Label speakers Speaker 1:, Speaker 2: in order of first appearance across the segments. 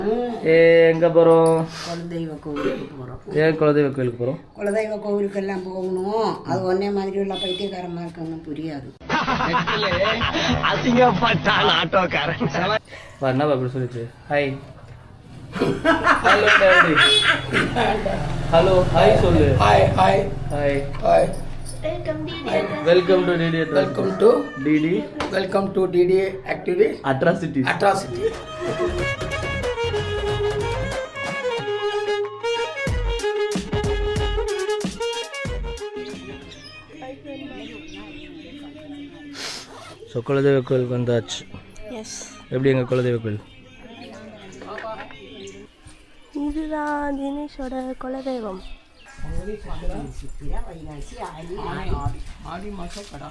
Speaker 1: எங்கே போகிறோம்?
Speaker 2: குலதெய்வ கோவிலுக்கு போகிறோம்.
Speaker 1: ஏன் குலதெய்வ கோயிலுக்கு போகிறோம்?
Speaker 2: குலதெய்வ கோவிலுக்கெல்லாம் போகணும். அது ஒன்னே மாதிரி உள்ள பைத்தியக்காரமாக இருக்கணும், புரியாது.
Speaker 3: அசிங்கப்பட்டான் ஆட்டோக்காரன்.
Speaker 1: என்ன அப்படி சொல்லிச்சு? Hi hello daddy. Hello hi சொல்லு.
Speaker 3: Hi hi
Speaker 1: hi
Speaker 3: hi.
Speaker 1: Welcome to DD.
Speaker 3: Welcome to
Speaker 1: DD.
Speaker 3: Welcome to DD activity
Speaker 1: atrocity.
Speaker 3: Atrocity.
Speaker 1: So குலதெய்வ கோயிலுக்கு வந்தாச்சு.
Speaker 4: எஸ்,
Speaker 1: எப்படி எங்கள் குலதெய்வ கோயில்?
Speaker 4: இதுதான் தினேஷோட குலதெய்வம்.
Speaker 3: ஆடி மாதம் கடை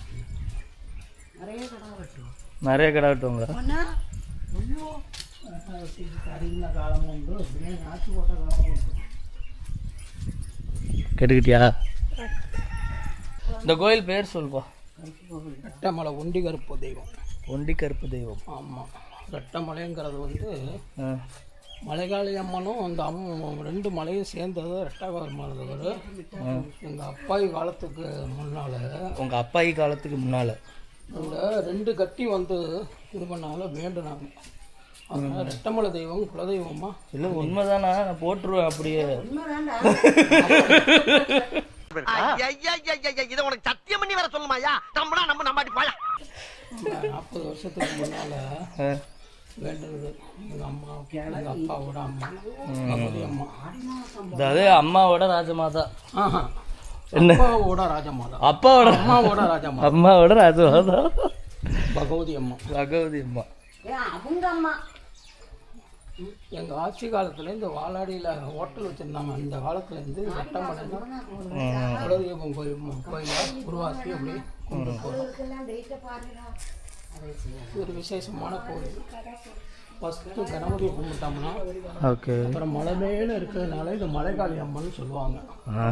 Speaker 1: நிறைய கடை வெட்டுவாங்க. கேட்டுக்கிட்டியா? இந்த கோயில் பேர் சொல்லுப்பா.
Speaker 3: ரெட்டமலை ஒண்டி கருப்பு தெய்வம்.
Speaker 1: ஒண்டி கருப்பு தெய்வம்.
Speaker 3: ஆமாம், ரெட்டமலைங்கிறது வந்து மலைகாளி அம்மனும் அந்த ரெண்டு மலையும் சேர்ந்தது ரெட்டகாலமானது. எங்கள் அப்பாயி காலத்துக்கு முன்னால்,
Speaker 1: உங்கள் அப்பாயி காலத்துக்கு முன்னால்
Speaker 3: இந்த ரெண்டு கட்டி வந்து இது பண்ணாலும் வேண்டுனாங்க. அதனால் ரெட்டமலை தெய்வம் குலதெய்வமா?
Speaker 1: இல்லை உண்மைதானா? நான் போட்டுருவேன் அப்படியே.
Speaker 5: இதை உனக்கு சத்தியம் பண்ணி வர சொல்லுமாயா? நம்மளா நம்ம நம்பாட்டி போயா.
Speaker 3: 40 வருஷத்துக்கு முன்னால் வேண்டுனது எங்கள் அம்மா, எங்கள் அப்பாவோட அம்மா, பகவதி அம்மா.
Speaker 1: அதாவது அம்மாவோட ராஜமாதா.
Speaker 3: என்ன? அப்பாவோட ராஜமாதா.
Speaker 1: அப்பாவோட
Speaker 3: அம்மாவோட ராஜமாதா.
Speaker 1: அம்மாவோட ராஜமாதா
Speaker 3: பகவதி அம்மா.
Speaker 1: பகவதி அம்மா
Speaker 2: அவங்க அம்மா
Speaker 3: எங்கள் ஆட்சி காலத்தில் இந்த வாலாடியில் ஹோட்டல் வச்சுருந்தாங்க. அந்த காலத்துலேருந்து ரெட்டமலை குலதெய்வம் கோயிலாக உருவாக்கி அப்படி கொண்டு போகிறோம். ஒரு விசேஷமான கோயில். ஃபஸ்ட்டு கணபதியை கும்பிட்டோம்னா,
Speaker 1: ஓகே,
Speaker 3: அப்புறம் மலை மேலே இருக்கிறதுனால இது மலைகாளி அம்மன் சொல்லுவாங்க.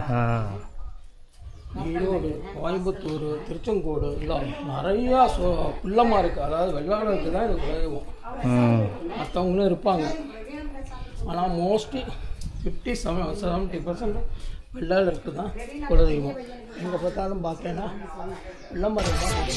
Speaker 3: ஈரோடு, கோயம்புத்தூர், திருச்செங்கோடு இதெல்லாம் நிறையா பிள்ளமாக இருக்குது. அதாவது வெள்ளாளருக்கு தான் இது குலதெய்வம். மற்றவங்களும் இருப்பாங்க, ஆனால் மோஸ்ட்லி 50-70% வெள்ளாளருக்கு தான் குலதெய்வம். எங்கே பார்த்தாலும் பார்த்தேன்னா வெள்ளமரம் தான்.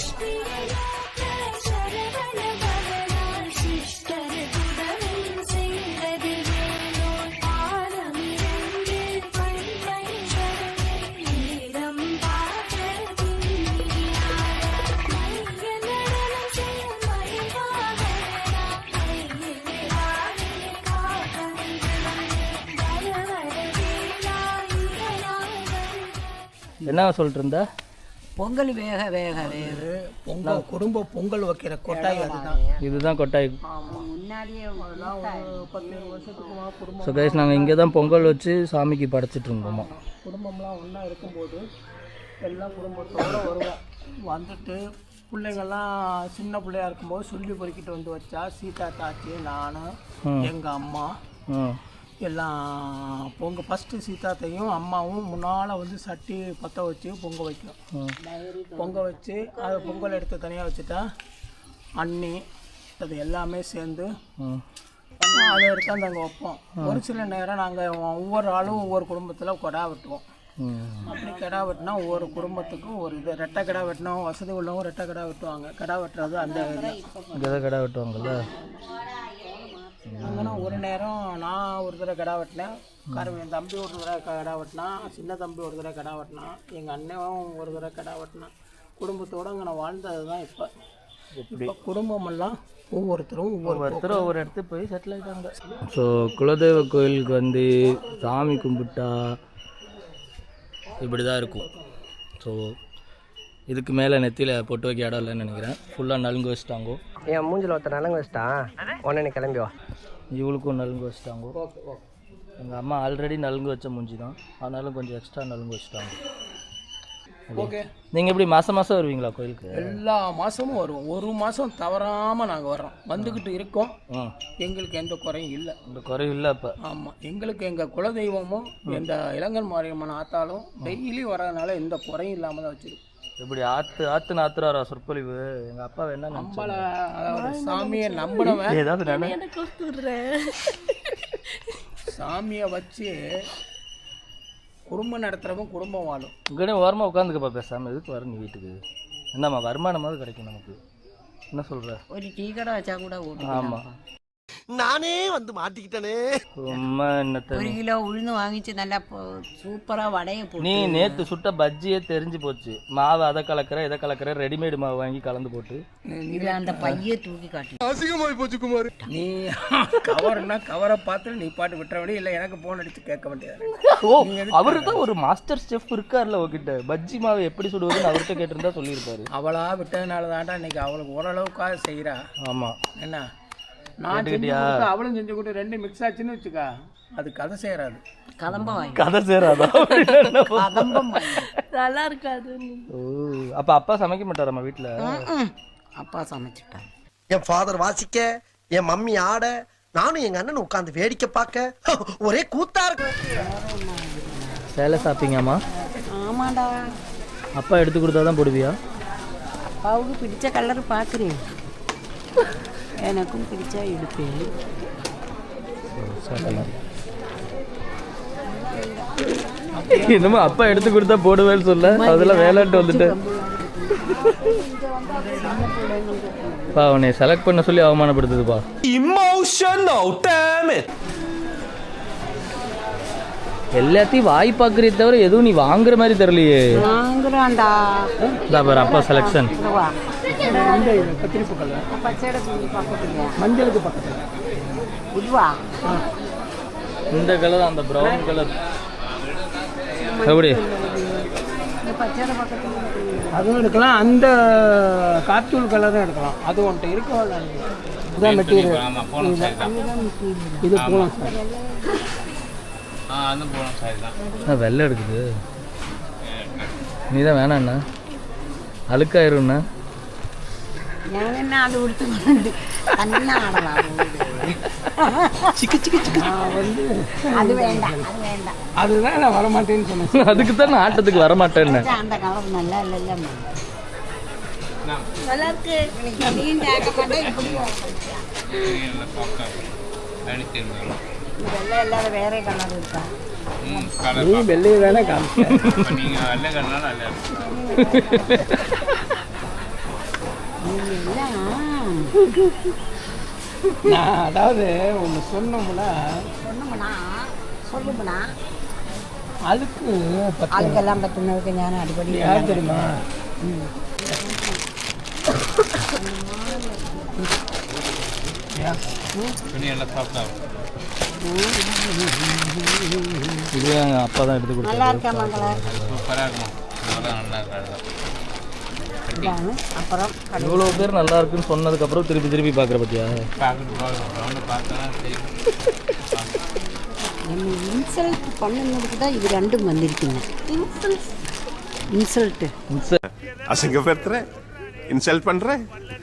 Speaker 1: என்ன சொல்லிட்டு இருந்த?
Speaker 2: பொங்கல் வேக வேக வேறு
Speaker 3: பொங்கல் குடும்ப பொங்கல் வைக்கிற கொட்டாய் அதுதான்.
Speaker 1: இதுதான் கொட்டாய்.
Speaker 2: முன்னாடியே
Speaker 3: 10 வருஷத்துக்குமா குடும்பம்.
Speaker 1: ஸோ கைஸ், நாங்கள் இங்கே தான் பொங்கல் வச்சு சாமிக்கு படைச்சிட்டு இருந்தோமா.
Speaker 3: குடும்பம்லாம் ஒன்றா இருக்கும்போது எல்லாம் குடும்பத்தோடு வருவோம். வந்துட்டு பிள்ளைங்கள்லாம் சின்ன பிள்ளையா இருக்கும்போது சொல்லி பொறுக்கிட்டு வந்து வச்சா சீதா தாச்சி, நான், எங்கள் அம்மா எல்லாம் ஃபஸ்ட்டு சீதாத்தையும் அம்மாவும் முன்னால் வந்து சட்டி பற்ற வச்சு பொங்க வைக்கும். பொங்க வச்சு அதை பொங்கல் எடுத்து தனியாக வச்சுட்டா அண்ணி அது எல்லாமே சேர்ந்து அதை எடுத்தாந்து அங்கே வைப்போம். ஒரு சில நேரம் நாங்கள் ஒவ்வொரு ஆளும் ஒவ்வொரு குடும்பத்தில் கொடா வெட்டுவோம். அப்படி கிடா வெட்டினா ஒவ்வொரு குடும்பத்துக்கும் ஒரு இது. ரெட்டை கிடா வெட்டினா வசதி உள்ளவங்க ரெட்டை கிடா வெட்டுவாங்க. கிடா வெட்டுறது அந்த
Speaker 1: இங்கே கிடா வெட்டுவாங்கல்ல.
Speaker 3: அங்கன்னா ஒரு நேரம் நான் ஒரு தடவை கிடா வெட்டினேன், என் தம்பி ஒரு தடவை கிடா வெட்டினான், சின்ன தம்பி ஒரு தடவை கிடா வெட்டினான், எங்கள் அண்ணனும் ஒரு தடவை கிடா வெட்டினான். குடும்பத்தோடு அங்கே நான் வாழ்ந்தது தான். இப்போ குடும்பமெல்லாம் ஒவ்வொருத்தரும்
Speaker 1: ஒவ்வொரு இடத்துக்கு போய் செட்டில் ஆகிட்டாங்க. ஸோ குலதெய்வ கோயிலுக்கு வந்து சாமி கும்பிட்டா இப்படி தான் இருக்கும். ஸோ இதுக்கு மேலே நெத்தியில் பொட்டு வைக்க இடம் இல்லைன்னு நினைக்கிறேன். ஃபுல்லாக நலுங்கு வச்சுட்டாங்கோ.
Speaker 5: என் மூஞ்சில் ஒருத்தர் நலங்கு வச்சுட்டான், உடனே கிளம்பி வா.
Speaker 1: இவளுக்கும் நலுங்கு வச்சுட்டாங்கோ. எங்கள் அம்மா ஆல்ரெடி நலுங்கு வச்ச மூஞ்சி தான், ஆனாலும் கொஞ்சம் எக்ஸ்ட்ரா நலுங்கு வச்சுட்டாங்க.
Speaker 3: ஓகே,
Speaker 1: நீங்கள் எப்படி மாதம் வருவீங்களா கோயிலுக்கு?
Speaker 3: எல்லா மாதமும் வருவோம். ஒரு மாதம் தவறாமல் நாங்கள் வர்றோம், வந்துக்கிட்டு இருக்கோம். எங்களுக்கு எந்த குறையும் இல்லை.
Speaker 1: இந்த குறையும் இல்லை இப்போ.
Speaker 3: ஆமாம், எங்களுக்கு எங்கள் குலதெய்வமும் எந்த இளங்கன் மாரியம்மன் ஆத்தாலும் டெய்லி வர்றதுனால எந்த குறையும் இல்லாமல் தான் வச்சுருக்கோம்.
Speaker 1: இப்படி ஆத்துன்னு ஆத்துறாரா சொற்பொழிவு. எங்கள் அப்பா என்ன
Speaker 3: நம்மள அதாவது சாமியை நம்பினவன்
Speaker 1: ஏதாவது நான்
Speaker 4: எனக்கு கொடுத்துட்றேன்.
Speaker 3: சாமியை வச்சு குடும்பம் நடத்துகிறவன் குடும்பம் வாழும்.
Speaker 1: இங்கே ஓரமாக உட்காந்துக்கப்பா பேசாமல். எதுக்கு வர நீ வீட்டுக்கு? என்னம்மா வருமானமாவது கிடைக்கும் நமக்கு. என்ன சொல்கிற?
Speaker 2: ஒரு டீ கடை வச்சா கூட ஓட்டு.
Speaker 1: ஆமாம்,
Speaker 5: நானே வந்து மாட்டிக்கிட்டனே.
Speaker 1: சும்மா என்னத்த.
Speaker 2: 1 கிலோ உளுந்து வாங்கிச்சு நல்லா சூப்பராக வடையை போட்டு.
Speaker 1: நீ நேற்று சுட்ட பஜ்ஜியே தெரிஞ்சு போச்சு. மாவு அதை கலக்கிற இதை கலக்கிற ரெடிமேடு மாவு வாங்கி கலந்து போட்டு
Speaker 2: இது அந்த பையை தூக்கி காட்டி.
Speaker 5: அசிங்கமாய் போச்சு குமார்.
Speaker 3: நீ கவர்னா கவரை பார்த்து நீ பாட்டு விட்டுற வேண்டிய இல்லை, எனக்கு ஃபோன் அடித்து கேட்க வேண்டியது.
Speaker 1: ஓ, அவருக்கு ஒரு மாஸ்டர் செஃப் இருக்கார்ல உங்ககிட்ட. பஜ்ஜி மாவு எப்படி சுடுவதுன்னு அவர்கிட்ட கேட்டிருந்தா சொல்லியிருப்பாரு.
Speaker 3: அவளா விட்டதுனால தான்டா இன்னைக்கு அவளுக்கு ஓரளவுக்காக செய்கிறா.
Speaker 1: ஆமாம்,
Speaker 3: என்ன நான் செஞ்சு கொடுத்து அவளும் செஞ்சு கொடுத்து 2 மிக்ஸ் ஆச்சுன்னு வச்சுக்கா, அது கதை சேராது.
Speaker 2: கதம்ப வாங்கி
Speaker 1: கதை சேராதா?
Speaker 2: கதம்பம் வாங்கி.
Speaker 4: நல்லா இருக்காது.
Speaker 1: ஓ, அப்போ அப்பா சமைக்க மாட்டாராம்மா வீட்டில்?
Speaker 2: அப்பா சமைச்சிட்டான்.
Speaker 5: என் ஃபாதர் வாசிக்க, என் மம்மி ஆட, நானும் எங்க அண்ணன் உட்காந்து வேடிக்கை பார்க்க ஒரே கூத்தா இருக்கு.
Speaker 1: சேலை சாப்பிங்கம்மா?
Speaker 2: ஆமாடா,
Speaker 1: அப்பா எடுத்து கொடுத்தா தான் போடுவியா?
Speaker 2: அப்பாவுக்கு பிடிச்ச கலர் பார்க்குறேன், எனக்கும் பிடிச்சா எடுப்பேன்.
Speaker 1: என்னமோ அப்பா எடுத்து கொடுத்தா போடுவேன்னு சொல்ல, அதெல்லாம் வேலைன்ட்டு வந்துட்டு பா உன்னை செலக்ட் பண்ண சொல்லி அவமானப்படுத்துதுப்பா.
Speaker 6: Emotional, damn it.
Speaker 1: எல்லாத்தையும் வாய் பார்க்குறே தவிர எதுவும் நீ வாங்குற மாதிரி தெரியலையே.
Speaker 2: வாங்குறான்டா.
Speaker 1: இதான் பாரு அப்பா செலெக்ஷன்.
Speaker 3: கத்திரிப்பு கலர்
Speaker 2: பச்சை பக்கத்துல
Speaker 3: மஞ்சளுக்கு பக்கத்தில்
Speaker 2: இதுவா?
Speaker 1: இந்த கலர் அந்த ப்ரௌன் கலர் எப்படி?
Speaker 2: இந்த பச்சை பக்கத்துல
Speaker 3: அதுவும் எடுக்கலாம், அந்த காத்தூள் கலரும் எடுக்கலாம். அது ஒன்ட்டு இருக்கோ இதுதான் மெட்டீரியல். இது போகலாம் சார்.
Speaker 1: வெள்ளை எடுக்குது. நீ தான் வேணாண்ணா, அழுக்காயிரும்ண்ணா.
Speaker 2: நான் என்ன அது உடுத்து தண்ணா ஆடலாம்.
Speaker 3: வந்து
Speaker 2: அது வேண்டாம், அது வேண்டாம்.
Speaker 3: அதுதான் நான் வரமாட்டேன்னு சொன்னேன்.
Speaker 1: அதுக்கு தான் நான் ஆட்டத்துக்கு வரமாட்டேன்னு.
Speaker 2: அந்த கலர் நல்லா இல்லைல்ல.
Speaker 4: நல்லா இருக்கு.
Speaker 2: நீயும் கேட்க மாட்டேன், இப்படியும் வெள்ளை இல்லாத வேற கலர் இருக்கா?
Speaker 3: நீ வெள்ளையை தானே காமிச்ச. நான் அதாவது ஒன்று சொன்னோம்னா
Speaker 2: சொல்லுமுனா
Speaker 3: அதுக்கு
Speaker 2: அதுக்கெல்லாம் பற்றினதுக்கு ஞானம் அடிப்படை
Speaker 3: யார் தெரியுமா?
Speaker 1: இது அப்பா தான் எடுத்து கொடுத்தாரு.
Speaker 2: நல்லா இருக்கா மங்களா? அப்புறம்
Speaker 1: இவ்வளோ பேர் நல்லா இருக்குன்னு சொன்னதுக்கப்புறம் திருப்பி திருப்பி பார்க்குற பற்றியா?
Speaker 2: என்ன இன்சல்ட் பண்ணுனதுக்கு தான் இது ரெண்டும் வந்திருக்குங்க. இன்சல்ட்டு
Speaker 6: அசிங்கப்படுத்துற, இன்சல்ட் பண்ற.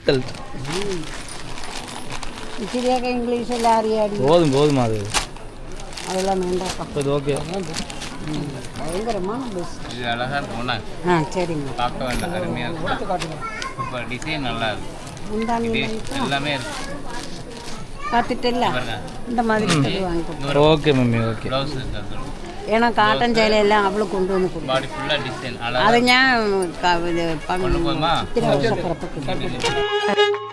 Speaker 2: இப்படியாக இங்கிலீஷில் அறியாடி
Speaker 1: போதுமா அது?
Speaker 2: அதெல்லாம் வேண்டாப்பா.
Speaker 1: இது ஓகே.
Speaker 2: பயங்கரமான பெஸ்ட்.
Speaker 7: இது அழகாக இருக்கும்ண்ணா,
Speaker 2: சரிங்க.
Speaker 7: பார்க்க வேண்டாம், அருமையாக இருக்கும். இப்போ டிசைன் நல்லா இருக்கு,
Speaker 2: முந்தானி
Speaker 7: எல்லாமே இருக்கு.
Speaker 2: பார்த்துட்டு இந்த மாதிரி வாங்கி கொடுத்து.
Speaker 1: Okay mummy, okay.
Speaker 7: ப்ளவுஸ் இருக்கு,
Speaker 2: ஏன்னா காட்டன் சேலை எல்லாம் அவ்வளோ கொண்டு வந்து கொடுக்கும்.
Speaker 7: பாடி ஃபுல்லாக டிசைன்
Speaker 2: அதை
Speaker 7: அழகாக
Speaker 2: ஞான்
Speaker 7: கொண்டு போதுமா?
Speaker 2: சித்திரை வருஷ பிறப்புக்கு